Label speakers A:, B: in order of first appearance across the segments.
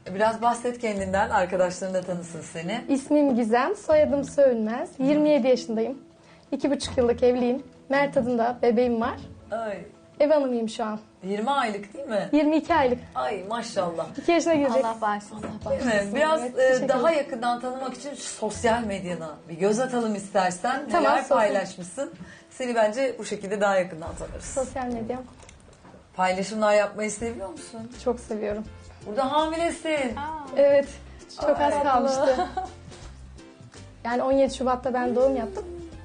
A: Biraz bahset kendinden, arkadaşların da tanısın seni.
B: İsmim Gizem, soyadım Söğünmez. 27 yaşındayım. 2,5 yıllık evliyim. Mert adında bebeğim var.
A: Ay,
B: Ev hanımıyım şu an.
A: 20 aylık değil mi?
B: 22 aylık.
A: Ay maşallah.
B: 2 yaşına girecek.
C: Allah bağışlasın.
A: Değil mi? Biraz
B: teşekkür
A: daha
B: ederim.
A: yakından tanımak için şu sosyal medyana bir göz atalım istersen.
B: Tamam,
A: Neler
B: sosyal.
A: paylaşmışsın? Seni bence bu şekilde daha yakından tanırız.
B: Sosyal medya
A: Paylaşımlar yapmayı seviyor musun?
B: çok seviyorum.
A: Burada hamilesin.
B: Evet, çok az
A: Ay.
B: kalmıştı. Yani 17 Şubat'ta ben doğum yaptım.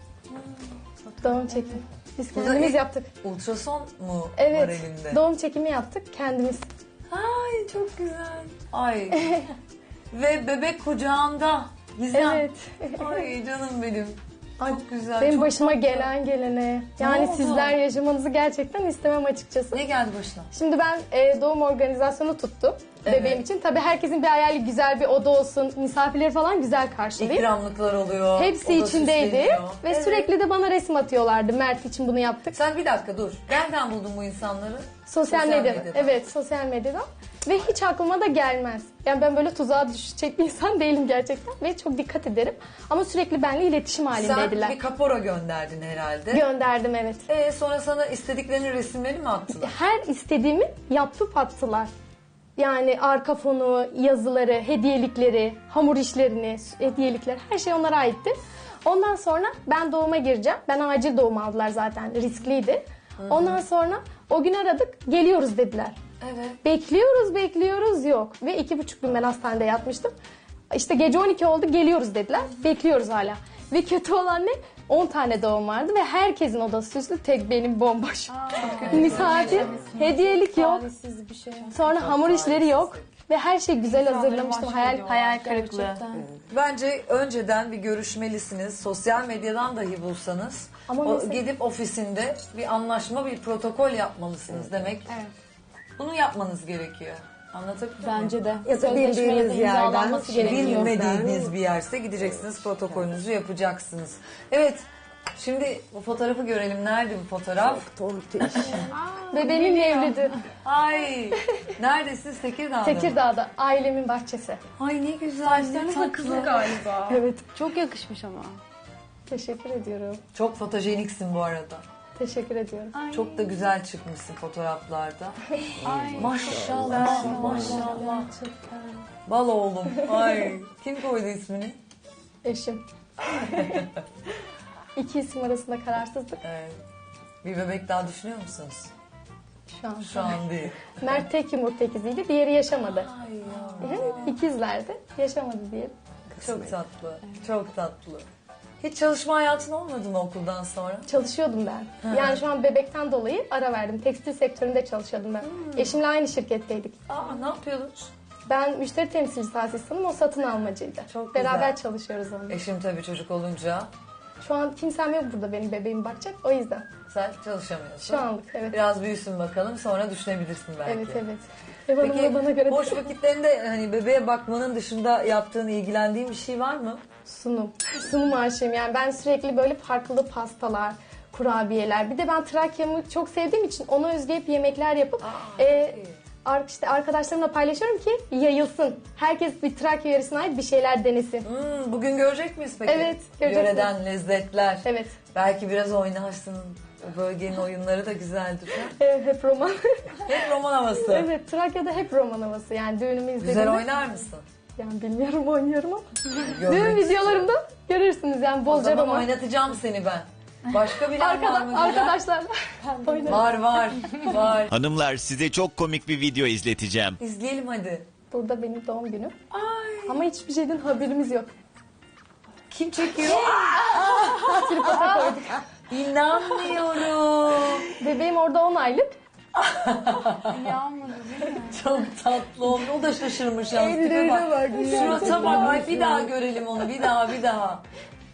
B: Doğum çekimi. Biz
A: Burada
B: kendimiz
A: ilk-
B: yaptık.
A: Ultrason mu var
B: Evet,
A: elinde?
B: doğum çekimi yaptık kendimiz.
A: Ay çok güzel. Ay. Ve bebek kucağında. Gizem.
B: Evet.
A: Ay canım benim. Çok güzel.
B: Benim
A: çok
B: başıma
A: tatlı.
B: gelen gelene. Yani
A: oldu?
B: sizler yaşamanızı gerçekten istemem açıkçası.
A: Ne geldi başına?
B: Şimdi ben doğum organizasyonu tuttum
A: Evet.
B: bebeğim için. Tabii herkesin bir hayali, güzel bir oda olsun, misafirleri falan güzel karşılayayım.
A: İkramlıklar oluyor.
B: Hepsi
A: oda
B: içindeydi
A: süsleniyor.
B: ve
A: Evet.
B: sürekli de bana resim atıyorlardı. Mert için bunu yaptık.
A: Sen bir dakika dur. Nereden buldun bu insanları?
B: Sosyal medyada. Evet, sosyal medyadan. Ve hiç aklıma da gelmez. Yani ben böyle tuzağa düşecek bir insan değilim gerçekten ve çok dikkat ederim. Ama sürekli benimle iletişim
A: Sen
B: halindeydiler.
A: bir kapora gönderdin herhalde.
B: Gönderdim, evet.
A: Sonra sana istediklerinin resimleri mi attılar?
B: Her istediğimi yapıp attılar. Yani arka fonu, yazıları, hediyelikleri, hamur işlerini, hediyelikler, her şey onlara aitti. Ondan sonra ben doğuma gireceğim. Ben acil doğum aldılar zaten, riskliydi. Ondan sonra o gün aradık, geliyoruz dediler.
A: Evet.
B: Bekliyoruz yok. Ve 2,5 gün ben hastanede yatmıştım. İşte gece 12 oldu, geliyoruz dediler. Bekliyoruz hala. Ve kötü olan ne? 10 tane doğum vardı ve herkesin odası süslü, tek benim bomboş. Misafir, hediyelik yok.
C: Talihsiz bir şey.
B: Sonra hamur işleri yok. Ve her şey güzel hazırlamıştım.
C: Hayal kırıklığı.
A: Bence önceden bir görüşmelisiniz. Sosyal medyadan dahi bulsanız.
B: Ama mesela-
A: Gidip ofisinde bir anlaşma, bir protokol yapmalısınız demek.
C: Evet.
A: Bunu yapmanız gerekiyor. Anlatabildim mi?
C: Bence de.
D: Ya da bildiğiniz
C: Sözleşmeyle
D: yerden
C: imzalanması gerekiyor.
A: Bilmediğiniz bir yerse gideceksiniz, protokolünüzü yapacaksınız. Evet, şimdi bu fotoğrafı görelim. Nerede bu fotoğraf?
D: Tontiş.
B: Bebeğimin mevlidi.
A: Ay, neredesiniz? Tekirdağ'da mı?
B: Tekirdağ'da, ailemin bahçesi.
A: Ay ne güzel, ne tatlı.
C: galiba.
B: Evet,
C: Çok yakışmış ama.
B: teşekkür ediyorum.
A: Çok fotojeniksin bu arada.
B: Teşekkür ediyorum.
A: Çok da güzel çıkmışsın fotoğraflarda.
C: Ay.
A: Maşallah, maşallah. Bal oğlum. Ay, kim koydu ismini?
B: Eşim. İki isim arasında kararsızlık
A: Evet. Bir bebek daha düşünüyor musunuz?
B: şu an.
A: Şu an değil.
B: Mert tek yumurta ikiziydi, diğeri yaşamadı.
A: Ay ya.
B: İkizlerdi, yaşamadı diye.
A: Çok tatlı, çok tatlı. Hiç çalışma hayatın olmadı mı okuldan sonra?
B: Çalışıyordum ben. Yani şu an bebekten dolayı ara verdim. Tekstil sektöründe çalışıyordum ben. Eşimle aynı şirketteydik.
A: Aa, ne yapıyordunuz?
B: Ben müşteri temsilcisi asistanım, o satın almacıydı.
A: Çok
B: Beraber
A: güzel.
B: çalışıyoruz onunla.
A: Eşim tabii çocuk olunca
B: Şu an kimsem yok burada benim bebeğimi bakacak, o yüzden.
A: sen çalışamıyorsun.
B: Şu anlık, evet.
A: Biraz büyüsün bakalım, sonra düşünebilirsin belki.
B: Evet, evet. Ev hanımı
A: Peki
B: da bana göre
A: boş vakitlerinde hani bebeğe bakmanın dışında yaptığın, ilgilendiğin bir şey var mı?
B: sunum. Sunum aşığım. Yani ben sürekli böyle farklı pastalar, kurabiyeler. Bir de ben Trakya'mı çok sevdiğim için ona özgü hep yemekler yapıp işte arkadaşlarımla paylaşıyorum ki yayılsın. Herkes bir Trakya yöresine ait bir şeyler denesin.
A: Bugün görecek miyiz peki?
B: Evet, göreceksiniz.
A: Yöreden lezzetler.
B: Evet.
A: Belki biraz oynarsın. O bölgenin oyunları da güzeldir. Ha?
B: Hep roman.
A: Hep roman havası.
B: Evet, Trakya'da hep roman havası. Yani düğünümü izlediğimde.
A: Güzel oynar mısın?
B: Yani bilmiyorum, oynuyorum ama.
A: Görmek
B: Düğün videolarımda görürsünüz yani
A: O
B: bolca
A: zaman
B: roman.
A: oynatacağım seni ben. Başka bilen var mı? güzel?
B: Arkadaşlarla oynarım.
A: Var.
E: Hanımlar size çok komik bir video izleteceğim.
A: İzleyelim hadi.
B: Burada benim doğum günüm. Ama hiçbir şeyden haberimiz yok.
A: Kim çekiyor? İnanmıyorum.
B: Bebeğim orada 10 aylık.
C: Yağmadı değil mi?
A: Çok tatlı olmuş. O da şaşırmış yalnız. Tipe bak. Surata bak. Ay bir daha görelim onu. Bir daha.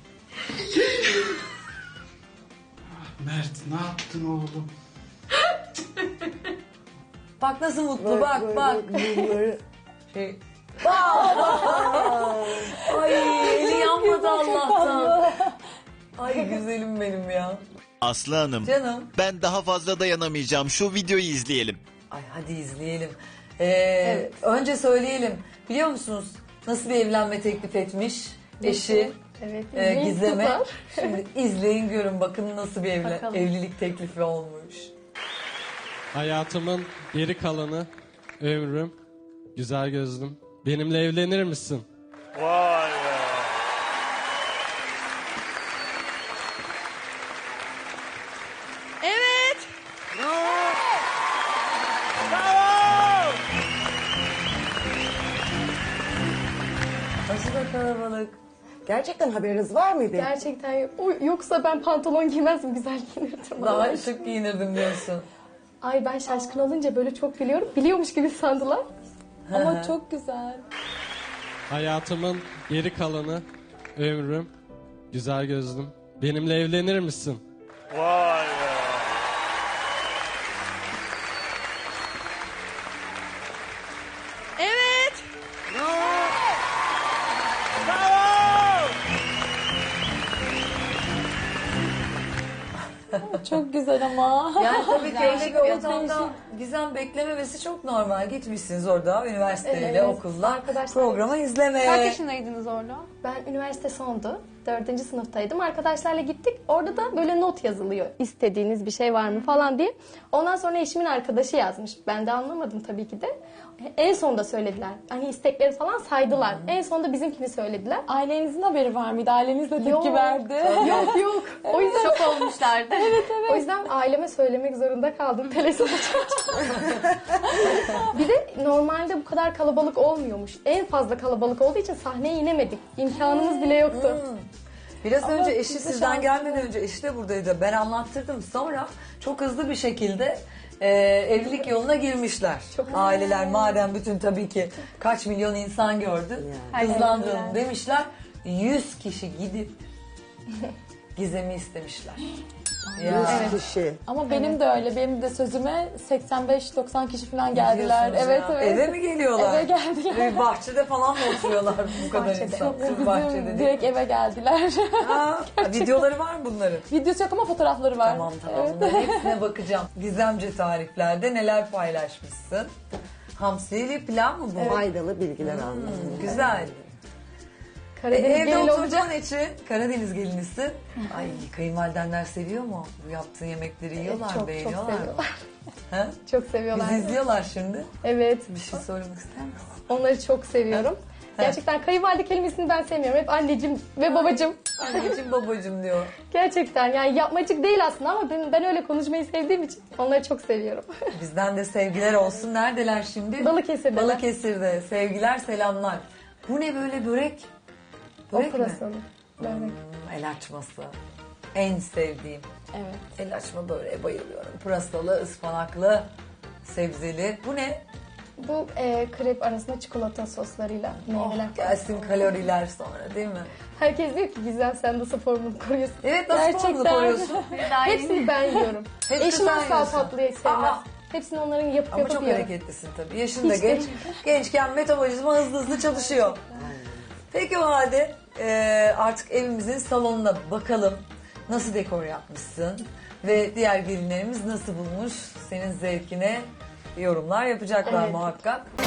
F: Mert ne yaptın oğlum?
A: Bak nasıl mutlu. Bak.
D: Bunları
A: Şey. Ay eli yanmadı Allah'tan. Ay güzelim benim ya.
E: Aslı Hanım,
A: Canım.
E: ben daha fazla dayanamayacağım. Şu videoyu izleyelim.
A: Ay hadi izleyelim. Önce söyleyelim. Biliyor musunuz nasıl bir evlenme teklif etmiş eşi
B: Evet.
A: Gizem'e?
B: Kızlar.
A: Şimdi izleyin görün bakın nasıl bir
C: Bakalım.
A: evlilik teklifi olmuş.
G: Hayatımın geri kalanı, ömrüm, güzel gözlüm. Benimle evlenir misin?
H: Vay be.
C: Evet.
A: Nasıl da kalabalık.
D: Gerçekten haberiniz var mıydı?
B: Gerçekten yok. Yoksa ben pantolon giymezdim, güzel giyinirdim.
A: Daha şık giyinirdim diyorsun.
B: Ay ben şaşkın olunca böyle çok gülüyorum. Biliyormuş gibi sandılar. Ama çok güzel.
G: Hayatımın geri kalanı, ömrüm, güzel gözlüm. Benimle evlenir misin?
H: Vay be.
C: Evet.
B: Çok güzel ama.
A: Yani tabii ki öyle bir
C: Çok
A: ortamda Gizem beklememesi çok normal. Gitmişsiniz orada üniversiteyle,
B: Evet,
A: okulla
B: arkadaşlar.
A: programı izlemeye.
C: Kaç yaşındaydınız orada?
B: Ben üniversite sondu. 4. sınıftaydım. Arkadaşlarla gittik. Orada da böyle not yazılıyor. İstediğiniz bir şey var mı falan diye. Ondan sonra eşimin arkadaşı yazmış. Ben de anlamadım tabii ki de. En sonda söylediler. Hani istekleri falan saydılar. En sonda bizimkini söylediler.
I: Ailenizin haberi var mıydı? Aileniz de tepki
B: Yok.
I: verdi.
B: Yok. O yüzden
C: Şok olmuşlardı.
B: O yüzden aileme söylemek zorunda kaldım. Telefon Bir de normalde bu kadar kalabalık olmuyormuş. En fazla kalabalık olduğu için sahneye inemedik. İmkanımız bile yoktu.
A: Biraz önce eşi sizden gelmeden önce eşi de buradaydı. Ben anlattırdım. Sonra çok hızlı bir şekilde evlilik yoluna girmişler. Aileler madem bütün tabii ki kaç milyon insan gördü. Hızlandıralım demişler. 100 kişi gidip Gizem'i istemişler. Ya.
D: 100 kişi.
I: Ama benim de öyle. Benim de sözüme 85-90 kişi falan geldiler.
A: Biliyorsunuz
I: Evet,
A: ya.
I: evet.
A: Eve mi geliyorlar?
I: Eve geldiler.
A: Bahçede falan mı oturuyorlar bu kadar insan? Sırf bahçede
I: Bizim
A: değil.
I: direkt eve geldiler.
A: Ha, videoları var mı bunların?
I: Videosu yok ama fotoğrafları var.
A: Tamam
I: Evet.
A: bunların hepsine bakacağım. Gizemce tariflerde neler paylaşmışsın? Hamsili pilav mı bu?
D: Faydalı bilgiler aldım.
A: Güzel.
B: Karadeniz
A: Evde
B: gelin
A: oturacağın için Karadeniz gelinisin. Ay kayınvalidenler seviyor mu? Bu yaptığın yemekleri yiyorlar,
B: çok
A: beğeniyorlar mı?
B: seviyorlar.
A: Ha?
B: Çok seviyorlar.
A: Bizi izliyorlar şimdi.
B: Evet.
A: Bir şey söylemek ister misin?
B: Onları çok seviyorum. Gerçekten kayınvalide kelimesini ben sevmiyorum. Hep anneciğim ve babacığım.
A: Anneciğim babacığım diyor.
B: Gerçekten yani yapmacık değil aslında ama ben öyle konuşmayı sevdiğim için onları çok seviyorum.
A: Bizden de sevgiler olsun. Neredeler şimdi?
B: Balıkesir'deler.
A: Balıkesir'de. Sevgiler, selamlar. Bu ne böyle börek?
B: O
A: Börek mi?
B: pırasalı. Börek.
A: El açması. En sevdiğim.
I: Evet.
A: El açma böreğe bayılıyorum. Pırasalı, ıspanaklı, sebzeli. Bu ne?
B: Bu krep arasında çikolata soslarıyla meyveler.
A: Gelsin kaloriler sonra değil mi?
B: Herkes diyor ki güzel sen nasıl formunu koruyorsun.
A: Evet nasıl formunu koruyorsun?
B: Hepsini ben yiyorum.
A: Hepsini
B: Eşim
A: sen
B: asla
A: yiyorsun.
B: tatlıyı sevmez.
A: Aa!
B: Hepsini onların yapıp
A: Ama
B: yapıp
A: çok
B: yiyorum.
A: hareketlisin tabii. Yaşın da
B: Hiç
A: genç.
B: değil.
A: Gençken metabolizma hızlı hızlı çalışıyor. Peki o halde artık evimizin salonuna bakalım. Nasıl dekor yapmışsın? Ve diğer gelinlerimiz nasıl bulmuş? Senin zevkine yorumlar yapacaklar
B: Evet.
A: muhakkak.